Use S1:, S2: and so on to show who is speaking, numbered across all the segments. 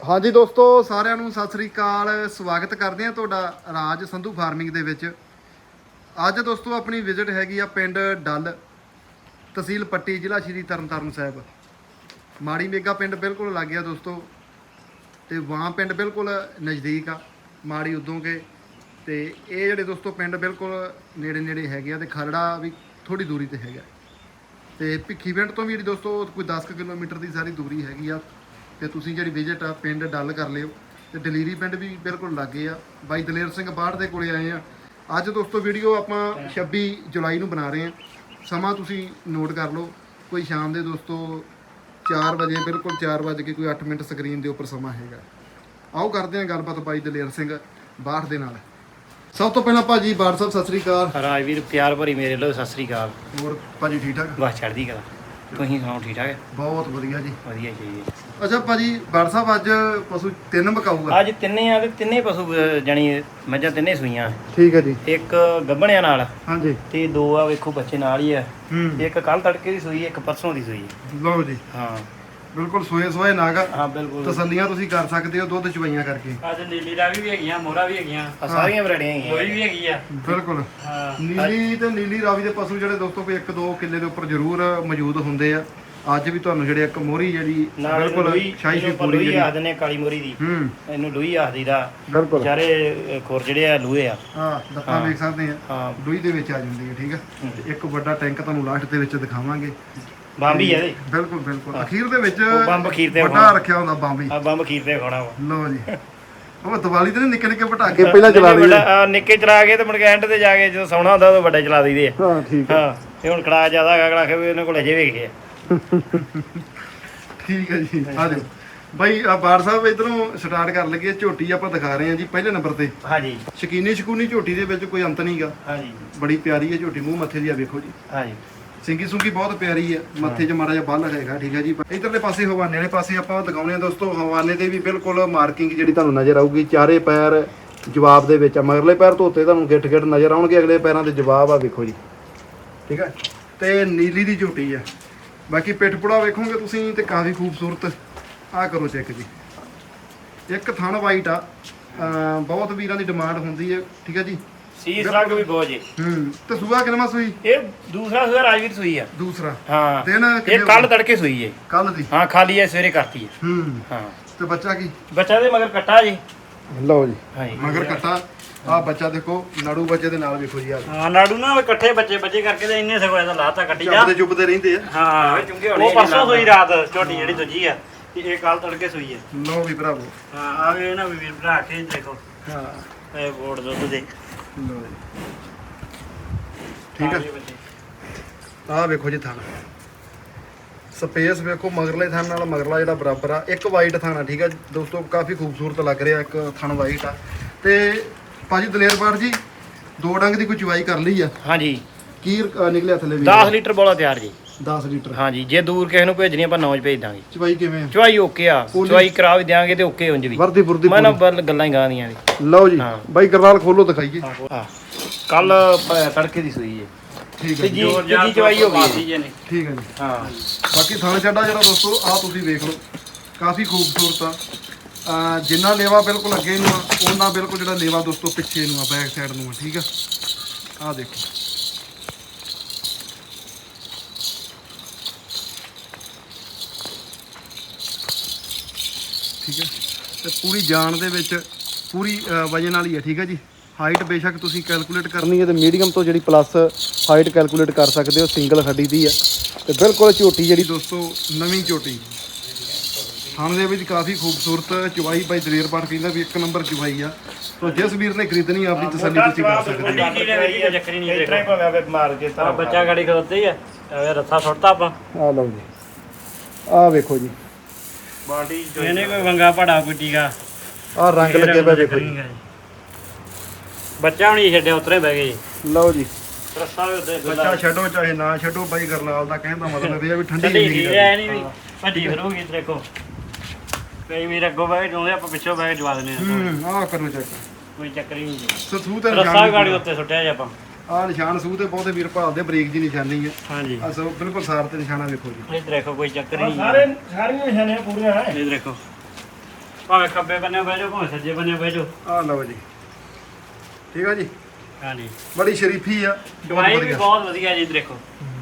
S1: ਹਾਂਜੀ ਦੋਸਤੋ, ਸਾਰਿਆਂ ਨੂੰ ਸਤਿ ਸ੍ਰੀ ਅਕਾਲ। ਸਵਾਗਤ ਕਰਦੇ ਹਾਂ ਤੁਹਾਡਾ ਰਾਜ ਸੰਧੂ ਫਾਰਮਿੰਗ ਦੇ ਵਿੱਚ। ਅੱਜ ਦੋਸਤੋ ਆਪਣੀ ਵਿਜ਼ਿਟ ਹੈਗੀ ਆ ਪਿੰਡ ਡੱਲ, ਤਹਿਸੀਲ ਪੱਟੀ, ਜ਼ਿਲ੍ਹਾ ਸ਼੍ਰੀ ਤਰਨਤਾਰਨ ਸਾਹਿਬ। ਮਾੜੀ ਮੇਗਾ ਪਿੰਡ ਬਿਲਕੁਲ ਲੱਗ ਗਿਆ ਦੋਸਤੋ, ਤੇ ਵਾਂ ਪਿੰਡ ਬਿਲਕੁਲ ਨਜ਼ਦੀਕ ਆ ਮਾੜੀ ਉਦੋਂ ਕੇ। ਤੇ ਇਹ ਜਿਹੜੇ ਦੋਸਤੋ ਪਿੰਡ ਬਿਲਕੁਲ ਨੇੜੇ ਨੇੜੇ ਹੈਗੇ ਆ, ਤੇ ਖਰੜਾ ਵੀ ਥੋੜੀ ਦੂਰੀ ਤੇ ਹੈਗਾ। ਤੇ ਭਿੱਖੀ ਪਿੰਡ ਤੋਂ ਵੀ ਜਿਹੜੀ ਦੋਸਤੋ ਕੋਈ 10 ਕਿਲੋਮੀਟਰ ਦੀ ਸਾਰੀ ਦੂਰੀ ਹੈਗੀ ਆ। ਤੇ ਤੁਸੀਂ ਜਿਹੜੀ ਵਿਜ਼ਿਟ ਆ ਪਿੰਡ ਡੱਲ ਕਰ ਲਿਓ। ਤੇ ਡਲੀਰੀ ਪਿੰਡ ਵੀ ਬਿਲਕੁਲ ਲਾਗੇ ਆ। ਬਾਈ ਦਲੇਰ ਸਿੰਘ ਬਾੜ ਦੇ ਕੋਲੇ ਆਏ ਆ ਅੱਜ ਦੋਸਤੋ। ਵੀਡੀਓ ਆਪਾਂ 26 ਜੁਲਾਈ ਨੂੰ ਬਣਾ ਰਹੇ ਆ। ਸਮਾਂ ਤੁਸੀਂ ਨੋਟ ਕਰ ਲਓ, ਕੋਈ ਸ਼ਾਮ ਦੇ ਦੋਸਤੋ 4 ਵਜੇ, ਬਿਲਕੁਲ 4 ਵਜੇ ਕੇ ਕੋਈ 8 ਮਿੰਟ ਸਕਰੀਨ ਦੇ ਉੱਪਰ ਸਮਾਂ ਹੈਗਾ। ਆਓ ਕਰਦੇ ਹਾਂ ਗੱਲਬਾਤ ਬਾਈ ਦਲੇਰ ਸਿੰਘ ਬਾੜ ਦੇ ਨਾਲ। ਸਭ ਤੋਂ ਪਹਿਲਾਂ ਭਾਜੀ ਬਾੜ ਸਾਹਿਬ ਸਤਿ ਸ੍ਰੀ ਅਕਾਲ।
S2: ਰਾਜਵੀਰ ਪਿਆਰ ਭਰੀ ਮੇਰੇ ਲੋ ਸਤਿ ਸ੍ਰੀ ਅਕਾਲ।
S1: ਹੋਰ ਭਾਜੀ ਠੀਕ ਠਾਕ?
S2: ਬਸ ਚੜ੍ਹਦੀ ਕਲਾ, ਤੁਸੀਂ ਸੁਣਾਓ ਠੀਕ ਠਾਕ?
S1: ਬਹੁਤ ਵਧੀਆ ਜੀ,
S2: ਵਧੀਆ ਚਾਹੀਏ।
S1: ਅੱਛਾ ਭਾਜੀ ਬਾੜ ਸਾਹਿਬ ਅੱਜ ਪਸ਼ੂ 3 ਮਕਾਊਗਾ?
S2: ਅੱਜ ਤਿੰਨੇ ਆ ਤੇ ਤਿੰਨੇ ਪਸ਼ੂ ਜਾਣੀ ਮੱਝਾਂ ਤਿੰਨੇ ਸੂਈਆਂ।
S1: ਠੀਕ ਹੈ ਜੀ।
S2: ਇੱਕ ਗੱਭਣਿਆਂ ਨਾਲ,
S1: ਹਾਂਜੀ,
S2: ਤੇ 2 ਆ ਵੇਖੋ ਬੱਚੇ ਨਾਲ ਹੀ ਆ।
S1: ਹੂੰ,
S2: ਇੱਕ ਕੱਲ ਤੜਕੇ ਦੀ ਸੂਈ, ਇੱਕ ਪਰਸੋਂ ਦੀ ਸੂਈ।
S1: ਲਓ ਜੀ,
S2: ਹਾਂ
S1: ਬਿਲਕੁਲ ਸੋਏ ਸੋਏ ਨਾਗ।
S2: ਹਾਂ ਬਿਲਕੁਲ
S1: ਤਸੱਲੀਆਂ ਤੁਸੀਂ ਕਰ ਸਕਦੇ ਹੋ ਦੁੱਧ ਚਵਾਈਆਂ ਕਰਕੇ।
S3: ਅੱਜ ਨੀਲੀ ਰਾਵੀ ਵੀ ਹੈਗੀਆਂ, ਮੋਹਰਾ ਵੀ ਹੈਗੀਆਂ,
S2: ਆ ਸਾਰੀਆਂ ਵੈਰਾਈਟੀਆਂ ਹੈਗੀਆਂ।
S3: ਲੋਈ ਵੀ ਹੈਗੀ ਆ।
S1: ਬਿਲਕੁਲ
S3: ਹਾਂ
S1: ਨੀਲੀ ਤੇ ਨੀਲੀ ਰਾਵੀ ਦੇ ਪਸ਼ੂ ਜਿਹੜੇ ਦੋਸਤੋ ਕੋਈ 1-2 ਕਿੱਲੇ ਦੇ ਉੱਪਰ ਜ਼ਰੂਰ ਮੌਜੂਦ ਹੁੰਦੇ ਆ। ਅੱਜ ਵੀ ਤੁਹਾਨੂੰ ਜਿਹੜੇ ਇੱਕ ਮੋਹਰੀ ਜਿਹੜੀ
S2: ਨਾਲ
S1: ਬਿਲਕੁਲ ਸ਼ਾਹੀ ਸ਼ੀ ਪੂਰੀ
S2: ਲੋਈ
S1: ਜਿਹੜੀ,
S2: ਆਖਦੇ ਨੇ ਕਾਲੀ ਮੋਰੀ ਦੀ,
S1: ਹੂੰ,
S2: ਇਹਨੂੰ ਲੋਈ ਆਖਦੀ ਦਾ।
S1: ਬਿਲਕੁਲ
S2: ਚਾਰੇ ਖੁਰ ਜਿਹੜੇ ਆ ਲੋਹੇ ਆ।
S1: ਹਾਂ, ਦੱਤਾਂ ਵੇਖ ਸਕਦੇ ਆ,
S2: ਹਾਂ
S1: ਡੂਈ ਦੇ ਵਿੱਚ ਆ ਜਾਂਦੀ ਹੈ। ਠੀਕ ਆ, ਤੇ ਇੱਕ ਵੱਡਾ ਟੈਂਕ ਤੁਹਾਨੂੰ ਲਾਸਟ ਦੇ ਵਿੱਚ ਦਿਖਾਵਾਂਗੇ।
S2: ਬੰਬ ਹੀ ਆ ਇਹਦੇ।
S1: ਬਿਲਕੁਲ ਬਿਲਕੁਲ ਅਖੀਰ ਦੇ ਵਿੱਚ
S2: ਉਹ ਬੰਬ ਅਖੀਰ ਤੇ
S1: ਵੱਡਾ ਰੱਖਿਆ ਹੁੰਦਾ ਬੰਬ ਹੀ।
S2: ਆ ਬੰਬ ਖੀਰ ਤੇ ਖਾਣਾ ਵਾ।
S1: ਲਓ ਜੀ, ਉਹ ਦੀਵਾਲੀ ਤੇ ਨਿੱਕੇ ਨਿੱਕੇ ਪਟਾਕੇ ਪਹਿਲਾਂ ਚਲਾ ਦਈਏ।
S2: ਨਿੱਕੇ ਚਲਾ ਕੇ ਤੇ ਮੁੜ ਕੇ ਐਂਡ ਤੇ ਜਾ ਕੇ ਜਦੋਂ ਸੌਣਾ ਹੁੰਦਾ ਉਦੋਂ ਵੱਡੇ ਚਲਾ ਦਈਦੇ ਆ।
S1: ਹਾਂ ਠੀਕ ਹੈ।
S2: ਹਾਂ ਤੇ ਹੁਣ ਕੜਾ ਜ਼ਿਆਦਾ ਹੈਗਾ, ਕੜਾ ਕੇ ਵੀ ਇਹਨਾਂ ਕੋਲ ਅਜੇ ਵੇਖੇ ਆ।
S1: ਠੀਕ ਹੈ ਜੀ, ਆ ਜਾਓ ਬਾਈ। ਆ ਬਾੜ ਸਾਹਿਬ ਇਧਰੋਂ ਸਟਾਰਟ ਕਰ ਲਈਏ। ਝੋਟੀ ਆਪਾਂ ਦਿਖਾ ਰਹੇ ਹਾਂ ਜੀ ਪਹਿਲੇ ਨੰਬਰ ਤੇ।
S2: ਹਾਂਜੀ
S1: ਸ਼ਕੂਨੀ ਝੋਟੀ ਦੇ ਵਿੱਚ ਕੋਈ ਅੰਤ ਨਹੀਂਗਾ।
S2: ਹਾਂਜੀ
S1: ਬੜੀ ਪਿਆਰੀ ਹੈ ਝੋਟੀ, ਮੂੰਹ ਮੱਥੇ ਦੀ ਆ ਵੇਖੋ ਜੀ।
S2: ਹਾਂਜੀ
S1: ਸਿੰਗੀ ਸੁੰਗੀ ਬਹੁਤ ਪਿਆਰੀ ਹੈ, ਮੱਥੇ 'ਚ ਮਾੜਾ ਜਿਹਾ ਬੱਲ ਹੈਗਾ। ਠੀਕ ਹੈ ਜੀ। ਇਧਰਲੇ ਪਾਸੇ ਹਵਾਨੇ ਵਾਲੇ ਪਾਸੇ ਆਪਾਂ ਦਿਖਾਉਂਦੇ ਹਾਂ ਦੋਸਤੋ। ਹਵਾਨੇ ਤੇ ਵੀ ਬਿਲਕੁਲ ਮਾਰਕਿੰਗ ਜਿਹੜੀ ਤੁਹਾਨੂੰ ਨਜ਼ਰ ਆਊਗੀ। ਚਾਰੇ ਪੈਰ ਜਵਾਬ ਦੇ ਵਿੱਚ ਆ। ਮਗਰਲੇ ਪੈਰ ਧੋਤੇ ਤੁਹਾਨੂੰ ਗਿੱਠ ਗਿੱਠ ਨਜ਼ਰ ਆਉਣਗੇ, ਅਗਲੇ ਪੈਰਾਂ ਦੇ ਜਵਾਬ ਆ ਵੇਖੋ ਜੀ। ਠੀਕ ਹੈ, ਤੇ ਨੀਲੀ ਦੀ ਝੋਟੀ ਆ। ਬਾਕੀ ਪਿੱਠ ਪੁੜਾ ਵੇਖੋਗੇ ਤੁਸੀਂ ਤੇ ਕਾਫੀ ਖੂਬਸੂਰਤ। ਆ ਕਰੋ ਚੈੱਕ ਜੀ, ਇੱਕ ਥਣ ਵਾਈਟ ਆ। ਬਹੁਤ ਵੀਰਾਂ ਦੀ ਡਿਮਾਂਡ ਹੁੰਦੀ ਹੈ। ਠੀਕ ਹੈ ਜੀ।
S2: ਸੀਸ ਰੰਗ ਵੀ ਬਹੁਤ ਜੀ।
S1: ਤੇ ਸੂਆ ਕਿੰਨਾ ਸੂਈ?
S2: ਇਹ ਦੂਸਰਾ ਸੂਆ ਰਾਜਵੀਰ ਸੂਈ ਆ।
S1: ਦੂਸਰਾ
S2: ਹਾਂ
S1: ਦਿਨ
S2: ਇਹ ਕੱਲ ਤੜਕੇ ਸੂਈ ਹੈ।
S1: ਕੱਲ ਦੀ?
S2: ਹਾਂ ਖਾਲੀ ਹੈ, ਸਵੇਰੇ ਕਰਤੀ ਹੈ। ਹਾਂ
S1: ਤੇ ਬੱਚਾ ਕੀ?
S2: ਬੱਚਾ ਦੇ ਮਗਰ ਕੱਟਾ ਜੀ।
S1: ਲਓ ਜੀ,
S2: ਹਾਂਜੀ
S1: ਮਗਰ ਕੱਟਾ। ਆ ਬੱਚਾ ਦੇਖੋ, ਨਾੜੂ ਬੱਚੇ ਦੇ ਨਾਲ ਵੇਖੋ ਜੀ। ਆ
S3: ਹਾਂ ਨਾੜੂ ਨਾ ਇਕੱਠੇ ਬੱਚੇ ਕਰਕੇ ਤੇ ਇੰਨੇ ਸਗੋਂ ਇਹਦਾ ਲਾਤਾ ਕੱਟੀ ਜਾ।
S1: ਚੁੱਪਦੇ ਰਹਿੰਦੇ ਆ।
S3: ਹਾਂ ਉਹ ਪਰਸੋਂ ਸੂਈ ਰਾਤ ਝੋਟੀ ਜਿਹੜੀ ਦੂਜੀ ਆ, ਤੇ ਇਹ ਕੱਲ ਤੜਕੇ ਸੂਈ ਆ।
S1: ਲਓ ਵੀ ਭਰਾਵੋ।
S3: ਹਾਂ ਆਵੇ ਨਾ ਵੀਰ ਭਰਾ ਕੇ ਦੇਖੋ।
S1: ਹਾਂ
S3: ਇਹ ਬੋੜ ਦੁੱਧ ਦੇ।
S1: ਲਓ ਜੀ, ਠੀਕ ਹੈ। ਆ ਵੇਖੋ ਜੀ ਥਣ ਸਪੇਸ ਵੇਖੋ, ਮਗਰਲੇ ਥਣ ਨਾਲ ਮਗਰਲਾ ਜਿਹੜਾ ਬਰਾਬਰ ਆ। ਇੱਕ ਵਾਈਟ ਥਣ ਆ। ਠੀਕ ਹੈ ਦੋਸਤੋ, ਕਾਫੀ ਖੂਬਸੂਰਤ ਲੱਗ ਰਿਹਾ। ਇੱਕ ਥਣ ਵਾਈਟ ਆ। ਤੇ ਭਾਜੀ ਦਲੇਰ ਬਾੜ ਜੀ, 2 ਡੰਗ ਦੀ ਕੋਈ ਚਵਾਈ ਕਰ ਲਈ ਆ?
S2: ਹਾਂਜੀ
S1: ਕੀ ਨਿਕਲਿਆ ਥੱਲੇ ਵੀ?
S2: 10 ਲੀਟਰ ਬੋਲਾ ਤਿਆਰ ਜੀ।
S1: 10 ਲੀਟਰ।
S2: ਹਾਂਜੀ ਜੇ ਦੂਰ ਕਿਸੇ ਨੂੰ ਭੇਜਣੀ ਆਪਾਂ 9 ਭੇਜ ਦਾਂਗੇ।
S1: ਚਵਾਈ ਕਿਵੇਂ ਆ?
S2: ਚਵਾਈ ਓਕੇ ਆ, ਚਵਾਈ ਕਰਾ ਵੀ ਦਿਆਂਗੇ ਤੇ ਓਕੇ ਉਂਝ ਵੀ।
S1: ਵਰਦੀ ਬੁਰਦੀ
S2: ਮੈਂ ਨਾ ਗੱਲਾਂ ਹੀ ਗਾਂ ਦੀਆਂ ਵੀ।
S1: ਲਓ ਜੀ
S2: ਹਾਂ।
S1: ਬਾਈ ਕਰਨਾਲ ਖੋਲੋ ਦਿਖਾਈਏ।
S2: ਕੱਲ ਤੜਕੇ ਦੀ ਸੂਈ ਹੈ।
S1: ਠੀਕ ਹੈ ਜੀ,
S2: ਤੀਜੀ ਚਵਾਈ ਹੋ ਗਈ।
S1: ਠੀਕ ਹੈ ਜੀ।
S2: ਹਾਂ
S1: ਬਾਕੀ ਥਣ ਚੱਡਾ ਜਿਹੜਾ ਦੋਸਤੋ ਆ ਤੁਸੀਂ ਵੇਖ ਲਓ, ਕਾਫੀ ਖੂਬਸੂਰਤ ਆ। ਜਿੰਨਾ ਲੇਵਾ ਬਿਲਕੁਲ ਅੱਗੇ ਨੂੰ ਆ, ਉਹਨਾਂ ਬਿਲਕੁਲ ਜਿਹੜਾ ਲੇਵਾ ਦੋਸਤੋ ਪਿੱਛੇ ਨੂੰ ਆ, ਬੈਕ ਸਾਈਡ ਨੂੰ ਆ। ਠੀਕ ਆ, ਆ ਦੇਖੋ। ਠੀਕ ਹੈ, ਤੇ ਪੂਰੀ ਜਾਨ ਦੇ ਵਿੱਚ ਪੂਰੀ ਵਜਨ ਵਾਲੀ ਹੈ। ਠੀਕ ਹੈ ਜੀ। ਹਾਈਟ ਬੇਸ਼ੱਕ ਤੁਸੀਂ ਕੈਲਕੂਲੇਟ ਕਰਨੀ ਹੈ ਤੇ ਮੀਡੀਅਮ ਤੋਂ ਜਿਹੜੀ ਪਲੱਸ ਹਾਈਟ ਕੈਲਕੂਲੇਟ ਕਰ ਸਕਦੇ ਹੋ। ਸਿੰਗਲ ਹੱਡੀ ਦੀ ਆ, ਤੇ ਬਿਲਕੁਲ ਝੋਟੀ ਜਿਹੜੀ ਦੋਸਤੋ ਨਵੀਂ ਝੋਟੀ। ਥਣ ਦੇ ਵਿੱਚ ਕਾਫੀ ਖੂਬਸੂਰਤ ਚਵਾਈ। ਬਾਈ ਦਲੇਰ ਬਾੜ ਕਹਿੰਦਾ ਵੀ 1 ਨੰਬਰ ਚਵਾਈ ਆ। ਤੋ ਜਿਸ ਵੀਰ ਨੇ ਖਰੀਦਣੀ ਆਪਣੀ ਤਸੱਲੀ ਤੁਸੀਂ ਕਰ ਸਕਦੇ ਹੋ।
S3: ਚੱਕਰੀ ਨਹੀਂ ਦੇਖੋ। ਬੱਚਾ ਗਾੜੀ ਖਲੋਤੇ ਹੀ ਆ। ਇਹ ਰੱਥਾ ਸੁੱਟਤਾ ਆਪਾਂ।
S1: ਆ ਲਓ ਜੀ, ਆ ਵੇਖੋ ਜੀ।
S3: ਬਾਡੀ ਇਹਨੇ ਕੋਈ ਵੰਗਾ ਪੜਾ ਕੋਈ ਟੀਕਾ।
S1: ਆ ਰੰਗ ਲੱਗੇ ਪਿਆ ਵੇਖੋ ਜੀ।
S3: ਬੱਚਾ ਹੁਣੀ ਛੱਡਿਆ ਉਤਰੇ ਬਹਿ ਗਏ ਜੀ।
S1: ਲਓ ਜੀ,
S3: ਰੱਸਾ ਵੀ ਉੱਤੇ
S1: ਬੱਚਾ ਛੱਡੋ ਚਾਹੇ ਨਾ ਛੱਡੋ, ਬਾਈ ਗਰਨਾਲ ਦਾ ਕਹਿਣ ਦਾ ਮਤਲਬ ਇਹ ਆ ਵੀ ਠੰਡੀ
S3: ਠੰਡੀ
S1: ਨਹੀਂ
S3: ਨਹੀਂ ਐ ਨਹੀਂ ਵੀ ਭੱਜੀ ਫਿਰੂਗੀ ਦੇਖੋ। ਕਈ ਵੀਰ ਅੱਗੋਂ ਬਹਿ ਕੇ ਚਾਹੁੰਦੇ, ਆਪਾਂ ਪਿੱਛੋਂ ਬਹਿ ਕੇ ਜਵਾ ਦਿੰਦੇ ਆ।
S1: ਆ ਕਰੋ ਚੈੱਕ।
S3: ਕੋਈ ਚੱਕਰ ਹੀ ਨਹੀਂ।
S1: ਸੂ ਤੇ
S3: ਰੱਸਾ ਗਾੜੀ ਉੱਤੇ ਸੁੱਟਿਆ ਜੀ ਆਪਾਂ।
S1: ਆ ਨਿਸ਼ਾਨ ਸੂ ਤੇ ਬਹੁਤੇ ਵੀਰ ਭਾਲਦੇ, ਬਰੀਕ ਜੀ ਨਿਸ਼ਾਨੀ ਹੈ।
S3: ਹਾਂਜੀ
S1: ਆ ਸਭ ਬਿਲਕੁਲ ਸਾਰ ਤੇ ਨਿਸ਼ਾਨਾ ਵੇਖੋ ਜੀ।
S3: ਇਹ ਦੇਖੋ ਕੋਈ ਚੱਕਰ ਹੀ ਨਹੀਂ।
S2: ਸਾਰੀਆਂ ਨਿਸ਼ਾਨੀਆਂ ਪੂਰੀਆਂ ਹੈ।
S3: ਇਹ ਦੇਖੋ ਭਾਵੇਂ ਖੱਬੇ ਬੰਨੇ ਬਹਿ ਜਾਓ ਭਾਵੇਂ ਸੱਜੇ ਬੰਨੇ ਬਹਿ ਜਾਓ।
S1: ਆ ਲਓ ਜੀ, ਠੀਕ ਆ ਜੀ।
S3: ਹਾਂਜੀ
S1: ਬੜੀ ਸ਼ਰੀਫੀ ਆ,
S3: ਦਵਾਈ ਵੀ ਬਹੁਤ ਵਧੀਆ ਜੀ ਦੇਖੋ।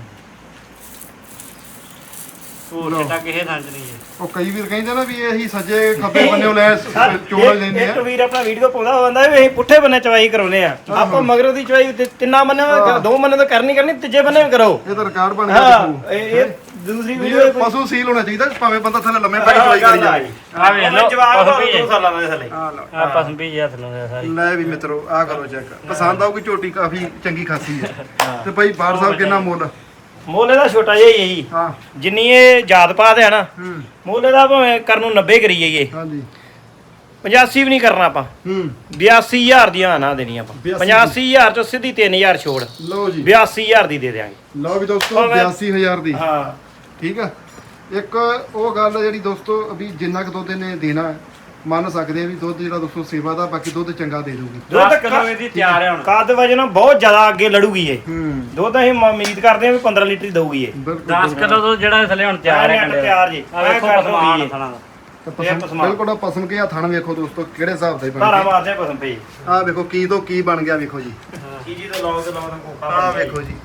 S3: ਹੋਰ
S1: ਲਓ।
S3: ਚਿੱਟਾ ਕਿਸੇ ਥਾਂ 'ਚ ਨਹੀਂ ਹੈ।
S1: ਉਹ ਕਈ ਵੀਰ ਕਹਿੰਦੇ ਨਾ ਵੀ ਇਹੀ ਸੱਜੇ ਖੱਬੇ ਬੰਨਿਓ ਲੈ ਚੋਲ ਲੈਂਦੇ
S4: ਇੱਕ
S1: ਆ।
S4: ਵੀਰ ਆਪਣਾ ਵੀਡੀਓ ਪਾਉਂਦਾ ਹੁੰਦਾ ਵੀ ਅਸੀਂ ਪੁੱਠੇ ਬੰਨੇ ਚਵਾਈ ਕਰਾਉਨੇ ਆ। ਆਪਾਂ ਮਗਰੋਂ ਦੀ ਚਵਾਈ ਤਿੰਨਾਂ ਬੰਨੇ ਦੋ ਬੰਨੇ ਤਾਂ ਕਰਨੀ ਤੀਜੇ ਬੰਨੇ ਵੀ ਕਰੋ।
S1: ਇਹ ਤਾਂ ਰਿਕਾਰਡ ਬਣ ਗਿਆ
S4: ਹਾਂ
S1: ਦੇਖੋ।
S4: ਇਹ ਦੂਸਰੀ
S1: ਵੀ
S4: ਵੀਡੀਓ
S1: ਇਹ ਪਸ਼ੂ ਸੀਲ ਹੋਣਾ ਚਾਹੀਦਾ, ਭਾਵੇਂ ਬੰਦਾ ਥੱਲੇ ਲੰਮੇ ਪੈ ਕੇ ਚਵਾਈ ਕਰੀ ਜਾਵੇ।
S3: ਆ ਵੇਖ ਲਓ
S4: ਜਵਾਬ
S3: ਪਸੰਦ ਵੀ
S4: 2 ਸਾਲਾਂ ਦੇ ਥੱਲੇ।
S1: ਆ ਲਓ,
S3: ਆ ਪਸੰਦ ਵੀ ਹੱਥ ਲਾਉਂਦੇ ਸਾਰੀ।
S1: ਲੈ ਵੀ ਮਿੱਤਰੋ ਆ ਕਰੋ ਚੈੱਕ, ਪਸੰਦ ਆਊਗੀ। ਝੋਟੀ ਕਾਫੀ ਚੰਗੀ ਖਾਸੀ ਹੈ। ਤੇ ਭਾਈ ਬਾੜ ਸਾਹਿਬ ਕਿੰਨਾ ਮੁੱਲ?
S4: ਮੁੱਲ ਇਹਦਾ ਛੋਟਾ ਜਿਹਾ ਹੀ ਹੈ ਜੀ।
S1: ਹਾਂ
S4: ਜਿੰਨੀ ਇਹ ਜਾਤ ਪਾਤ ਹੈ ਨਾ,
S1: ਹੂੰ
S4: ਮੁੱਲ ਇਹਦਾ ਭਾਵੇਂ ਕਰਨ ਨੂੰ 90 ਕਰੀ ਜਾਈਏ,
S1: ਹਾਂਜੀ
S4: 85 ਵੀ ਨਹੀਂ ਕਰਨਾ ਆਪਾਂ।
S1: ਹੂੰ
S4: 82000 ਦੀਆਂ ਨਾ ਦੇਣੀ ਆਪਾਂ। 85000 ਚੋਂ ਸਿੱਧੀ 3000 ਛੋੜ,
S1: ਲਓ ਜੀ
S4: 82000 ਦੀ ਦੇ ਦਿਆਂਗੇ।
S1: ਲਓ ਵੀ ਦੋਸਤੋ 82000 ਦੀ।
S4: ਹਾਂ
S1: ਠੀਕ ਆ। ਇੱਕ ਉਹ ਗੱਲ ਜਿਹੜੀ ਦੋਸਤੋ ਵੀ ਜਿੰਨਾ ਕੁ ਦੁੱਧ ਇਹਨੇ ਦੇਣਾ ਮੰਨ ਸਕਦੇ ਆ ਵੀ ਦੁੱਧ ਜਿਹੜਾ ਦੋਸਤੋ ਸੇਵਾ ਦਾ, ਬਾਕੀ ਦੁੱਧ ਚੰਗਾ ਦੇ ਦੂਗੀ।
S3: 10 ਕਿਲੋ ਇਹਦੀ ਤਿਆਰ ਹੈ ਹੁਣ।
S4: ਕੱਦ ਵਜਨ ਬਹੁਤ ਜ਼ਿਆਦਾ ਅੱਗੇ ਲੜੂਗੀ ਇਹ।
S1: ਹੂੰ
S4: ਦੁੱਧ ਅਸੀਂ ਉਮੀਦ ਕਰਦੇ ਹਾਂ ਵੀ 15 ਲੀਟਰ ਹੀ ਦਊਗੀ ਇਹ।
S1: ਬਿਲਕੁਲ
S3: 10 ਕਿਲੋ ਤੋਂ ਜਿਹੜਾ ਥੱਲੇ ਹੁਣ ਤਿਆਰ ਹੈ ਕੰਡੇ
S4: ਤਿਆਰ ਜੀ।
S3: ਆ ਵੇਖੋ
S4: ਐਂ ਕਰ
S3: ਪਸਮਾਨ
S4: ਦਊਗੀ।
S3: ਥਣਾ ਦਾ।
S1: ਬਿਲਕੁਲ ਆ ਪਸਮ ਕੇ ਆ ਥਣ ਵੇਖੋ ਦੋਸਤੋ ਕਿਹੜੇ ਹਿਸਾਬ ਦਾ
S4: ਧਾਰਾ
S1: ਬਣ
S4: ਮਾਰਦੇ ਪਸਮ ਪਈ।
S1: ਆ ਵੇਖੋ ਕੀ ਤੋਂ ਕੀ ਬਣ ਗਿਆ ਵੇਖੋ ਜੀ।
S4: ਕੀ ਜੀ ਤੋਂ ਲਾਓ ਦਾ ਕੋਕਾ।
S1: ਆ ਵੇਖੋ ਜੀ,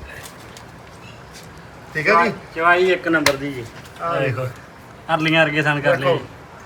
S1: ਠੀਕ ਹੈ ਜੀ।
S3: ਚਵਾਈ ਇੱਕ ਨੰਬਰ ਦੀ ਜੀ।
S1: ਆ ਵੇਖੋ
S3: ਅਰਲੀਆਂ ਵਰਗੇ ਸਨ ਕਰ ਲਏ।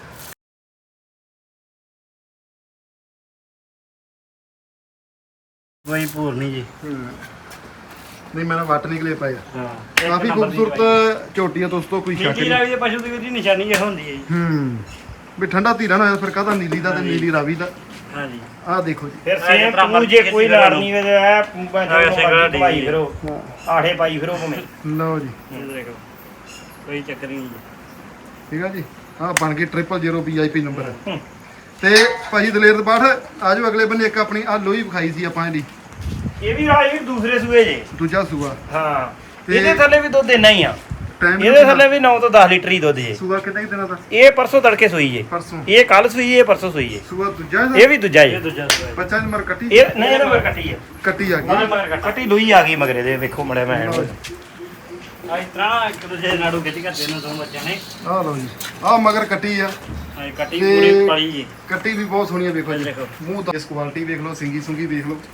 S3: ਕੋਈ ਭੂਰ ਨਹੀਂ ਜੀ।
S1: ਨਹੀਂ ਮੈਂ ਵੱਟ ਨਿਕਲੇ ਪਏ ਆ।
S3: ਹਾਂ
S1: ਕਾਫੀ ਖੂਬਸੂਰਤ ਝੋਟੀ ਆ ਦੋਸਤੋ, ਕੋਈ ਸ਼ੱਕ
S3: ਨੀਲੀ
S1: ਨਹੀਂ।
S3: ਰਾਵੀ ਦੇ ਪਸ਼ੂ ਦੀ ਵੀ ਨਿਸ਼ਾਨੀ ਇਹ ਹੁੰਦੀ ਹੈ ਜੀ।
S1: ਵੀ ਠੰਡਾ ਧੀਰਾ ਨਾ ਹੋਇਆ ਫਿਰ ਕਾਹਦਾ ਨੀਲੀ ਦਾ ਤੇ ਨੀਲੀ ਰਾਵੀ ਦਾ।
S3: ਹਾਂਜੀ
S1: ਆਹ ਦੇਖੋ ਜੀ।
S4: ਫਿਰ
S3: ਐ
S4: ਸੇਮ
S3: ਜਿਸ ਤਰ੍ਹਾਂ
S4: ਤੂੰ ਜੇ
S3: ਮਰਜ਼ੀ
S4: ਕੋਈ
S3: ਕਿਸੇ
S4: ਲੜ
S3: ਨੂੰ।
S4: ਨਹੀਂ ਵੇ ਐ
S3: ਸਿੰਗਲ ਡੀ
S4: ਪਾਈ
S3: ਜੀ।
S4: ਫਿਰੋ, ਆਠੇ ਪਾਈ ਫਿਰੋ ਭਵੇਂ।
S1: ਲਓ ਜੀ,
S3: ਇਹ ਦੇਖੋ ਕੋਈ ਚੱਕਰ ਨਹੀਂ ਜੀ।
S1: ਠੀਕ ਆ ਜੀ। ਆਹ ਬਣ ਗਈ 000 VIP ਨੰਬਰ ਹੈ। ਤੇ ਭਾਜੀ ਦਲੇਰ ਬਾਠ ਆਜੋ ਅਗਲੇ ਬੰਨੇ। ਇੱਕ ਆਪਣੀ ਆ ਲੋਈ ਵਿਖਾਈ ਸੀ ਆਪਾਂ ਇਹਦੀ,
S4: ਇਹ ਵੀ ਰਾਜ ਦੂਸਰੇ ਸੂਏ ਜੇ।
S1: ਦੂਜਾ ਸੂਆ।
S4: ਹਾਂ
S1: ਤੇ
S4: ਇਹਦੇ ਥੱਲੇ ਵੀ ਦੁੱਧ ਇੰਨਾ ਹੀ ਆ।
S1: ਟਾਈਮ
S4: ਇਹਦੇ ਥੱਲੇ ਵੀ 9 ਤੋਂ 10 ਲੀਟਰ ਹੀ ਦੁੱਧ ਜੇ।
S1: ਸੂਆ ਕਿੰਨੇ ਕੁ ਦਿਨਾਂ ਦਾ?
S4: ਇਹ ਪਰਸੋਂ ਤੜਕੇ ਸੋਈ ਜੇ।
S1: ਪਰਸੋਂ
S4: ਇਹ ਕੱਲ ਸੋਈ, ਇਹ ਪਰਸੋਂ ਸੋਈ ਜੇ।
S1: ਸੂਆ ਦੂਜਾ
S4: ਇਹ ਵੀ ਦੂਜਾ
S3: ਇਹ
S4: ਜੇ।
S3: ਦੂਜਾ ਸੂਆ
S1: ਬੱਚਾ ਨੰਬਰ ਕੱਟੀ
S4: ਇਹ ਨਹੀਂ ਇਹਦੇ ਮਗਰ ਕੱਟੀ ਆ।
S1: ਕੱਟੀ ਆ ਗਈ।
S4: ਕੱਟੀ ਲੋਈ ਆ ਗਈ ਮਗਰੇ ਦੇ। ਵੇਖੋ ਮੜਿਆ ਮੈਂ
S3: ਆ ਇਸ ਤਰ੍ਹਾਂ ਇੱਕ ਦੂਜੇ ਦੇ ਨਾੜੂ ਖਿੱਚ ਕੇ ਨੂੰ ਦੋ ਬੱਚਿਆਂ ਨੇ।
S1: ਆਹ ਲਓ ਜੀ, ਆਹ ਮਗਰ ਕੱਟੀ ਆ।
S3: ਆ ਕੱਟੀ
S1: ਤੇ
S3: ਪੂਰੀ ਕਾਲੀ ਜੀ।
S1: ਕੱਟੀ ਵੀ ਬਹੁਤ ਸੋਹਣੀ ਆ ਵੇਖੋ ਜੀ।
S3: ਦੇਖੋ।
S1: ਮੂੰਹ ਦਾ ਇਸ ਕੁਆਲਿਟੀ ਵੇਖ ਲਓ, ਸਿੰਗੀ ਸੁੰਗੀ ਵੇਖ ਲਓ।